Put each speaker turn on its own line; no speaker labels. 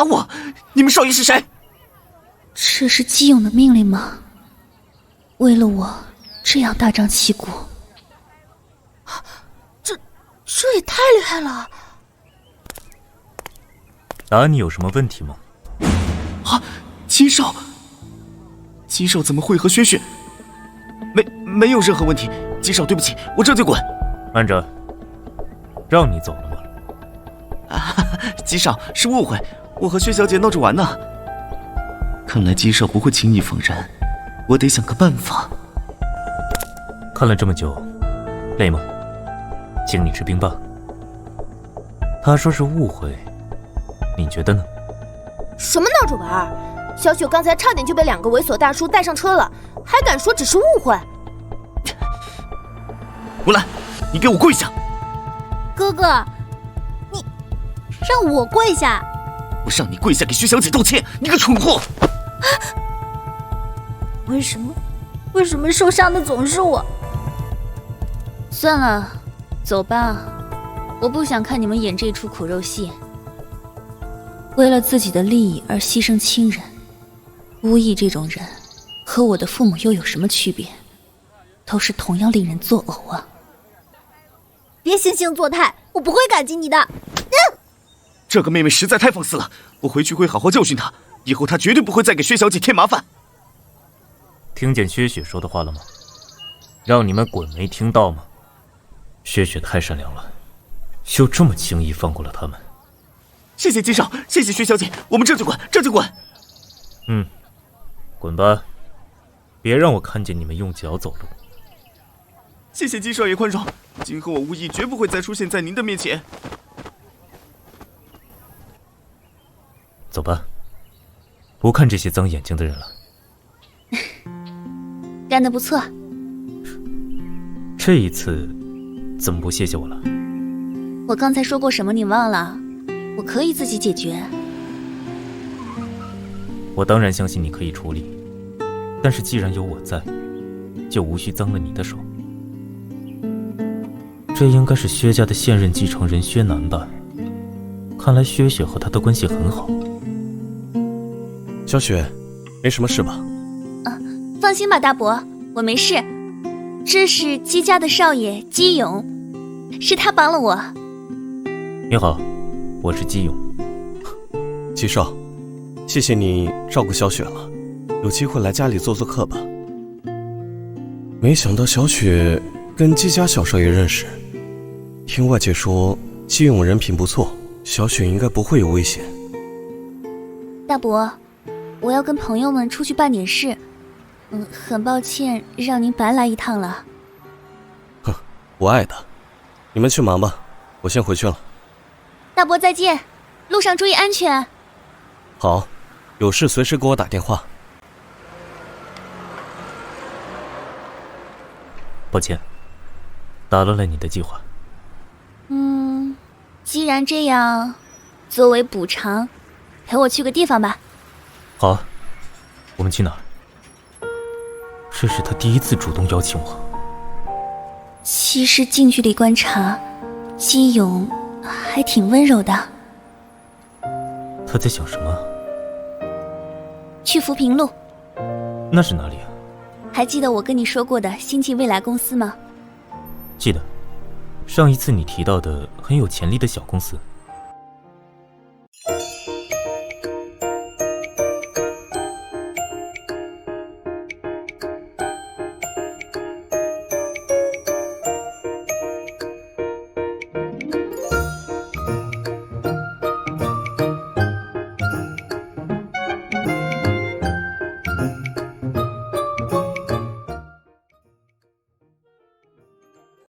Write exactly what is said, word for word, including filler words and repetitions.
打我！你们少爷是谁？
这是基勇的命令吗？为了我这样大张旗鼓？
这这也太厉害了！
打你有什么问题吗？
啊，姬少，姬少怎么会和薛雪？没没有任何问题。姬少，对不起，我这就滚。
慢着，让你走了吗？
啊，姬少是误会，我和薛小姐闹着玩呢。看来姬少不会轻易放人，我得想个办法。
看了这么久，累吗？请你吃冰棒。他说是误会，你觉得呢？
什么闹着玩？小雪刚才差点就被两个猥琐大叔带上车了，还敢说只是误会？
吴兰，你给我跪下！
哥哥，你让我跪下？
我让你跪下给薛小姐道歉，你个蠢货！
为什么？为什么受伤的总是我？
算了，走吧，我不想看你们演这出苦肉戏。为了自己的利益而牺牲亲人，无意这种人和我的父母又有什么区别？都是同样令人作呕啊！
别惺惺作态，我不会感激你的。
嗯、这个妹妹实在太放肆了，我回去会好好教训她，以后她绝对不会再给薛小姐添麻烦。
听见薛雪说的话了吗？让你们滚，没听到吗？薛雪太善良了，就这么轻易放过了他们。
谢谢姬少，谢谢薛小姐，我们这就滚，这就滚。
嗯，滚吧，别让我看见你们用脚走路。
谢谢姬少爷宽容，今后我无意绝不会再出现在您的面前。
走吧，不看这些脏眼睛的人了。
干得不错。
这一次怎么不谢谢我了？
我刚才说过什么你忘了？我可以自己解决。
我当然相信你可以处理，但是既然有我在，就无需脏了你的手。这应该是薛家的现任继承人薛南吧？看来薛雪和他的关系很好。
小雪，没什么事吧？
啊，放心吧，大伯，我没事。这是姬家的少爷姬勇，是他帮了我。
你好，我是姬勇。
姬少，谢谢你照顾小雪了，有机会来家里做做客吧。没想到小雪跟姬家小少爷认识，听外界说姬勇人品不错，小雪应该不会有危险。
大伯，我要跟朋友们出去办点事，嗯，很抱歉让您白来一趟了。
哼，我爱的，你们去忙吧，我先回去了。
大伯再见，路上注意安全。
好，有事随时给我打电话。
抱歉，打乱了你的计划。
嗯，既然这样，作为补偿，陪我去个地方吧。
好啊，我们去哪儿？这是他第一次主动邀请我。
其实近距离观察，姬勇还挺温柔的。
他在想什么？
去浮萍路。
那是哪里啊？
还记得我跟你说过的星际未来公司吗？
记得，上一次你提到的很有潜力的小公司。